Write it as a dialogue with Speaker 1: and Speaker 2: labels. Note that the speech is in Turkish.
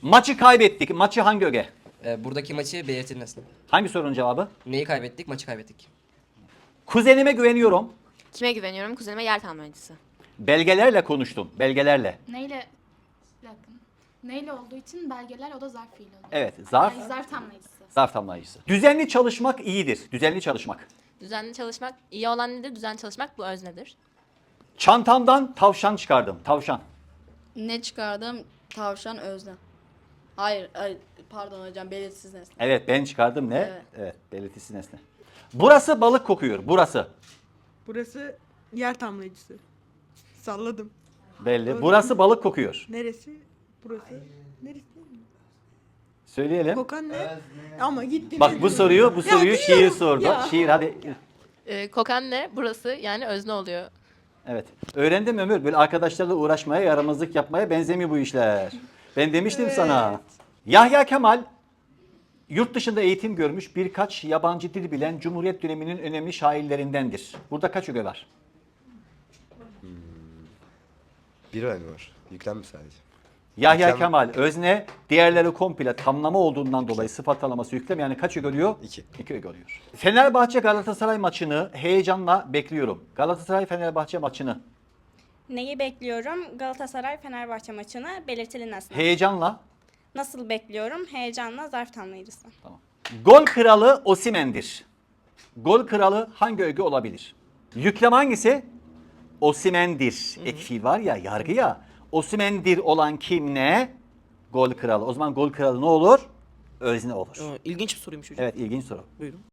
Speaker 1: Maçı kaybettik. Maçı hangi öge?
Speaker 2: Buradaki maçı belirtilen nesne.
Speaker 1: Hangi sorunun cevabı?
Speaker 2: Neyi kaybettik? Maçı kaybettik.
Speaker 1: Kuzenime güveniyorum.
Speaker 3: Kime güveniyorum? Kuzenime yer tamamlayıcısı.
Speaker 1: Belgelerle konuştum. Belgelerle.
Speaker 4: Neyle? Bir dakika. Neyle olduğu için belgeler o da zarf fiili oluyor.
Speaker 1: Evet, zarf.
Speaker 4: Yani zarf tamlayıcısı.
Speaker 1: Zarf tamlayıcısı. Düzenli çalışmak iyidir. Düzenli çalışmak.
Speaker 5: Düzenli çalışmak, iyi olan nedir? Düzenli çalışmak bu öznedir.
Speaker 1: Çantamdan tavşan çıkardım. Tavşan.
Speaker 6: Ne çıkardım? Tavşan özne. Hayır, pardon hocam belirsiz nesne.
Speaker 1: Evet, ben çıkardım ne?
Speaker 6: Evet.
Speaker 1: Evet, belirtisiz nesne. Burası balık kokuyor. Burası.
Speaker 7: Burası yer tamlayıcısı. Salladım.
Speaker 1: Belli. Burası balık kokuyor.
Speaker 7: Neresi? Burası. Neresi?
Speaker 1: Söyleyelim.
Speaker 7: Kokan ne? Ama gitti.
Speaker 1: Bak bu soruyu şiir
Speaker 7: biliyorum.
Speaker 1: sordu.
Speaker 7: Ya.
Speaker 1: Şiir hadi.
Speaker 5: Kokan ne? Burası yani özne oluyor.
Speaker 1: Evet. Öğrendim Ömür. Böyle arkadaşlarla uğraşmaya, yaramazlık yapmaya benzemiyor bu işler. Ben demiştim sana. Yahya Kemal yurt dışında eğitim görmüş birkaç yabancı dil bilen Cumhuriyet döneminin önemli şairlerindendir. Burada kaç öge var?
Speaker 8: Bir önemli var. Yüklenme sadece.
Speaker 1: Yahya
Speaker 8: Yüklem-
Speaker 1: Kemal özne, diğerleri komple tamlama olduğundan dolayı sıfat alaması yüklem, yani kaç öge oluyor?
Speaker 8: 2.
Speaker 1: 2 öge oluyor. Fenerbahçe Galatasaray maçını heyecanla bekliyorum. Galatasaray Fenerbahçe maçını
Speaker 9: Neyi bekliyorum? Galatasaray Fenerbahçe maçını belirtili nesne.
Speaker 1: heyecanla.
Speaker 9: Nasıl bekliyorum? Heyecanla zarf tamlayıcısı.
Speaker 1: Gol kralı Osimhen'dir. Gol kralı hangi öge olabilir? Yüklem hangisi? Osimhen'dir. Ek fiil var ya, yargı ya. Osimhen'dir olan kim ne? Gol kralı. O zaman gol kralı ne olur? Özne olur.
Speaker 2: İlginç bir soruymuş hocam.
Speaker 1: Evet, ilginç soru.
Speaker 2: Buyurun.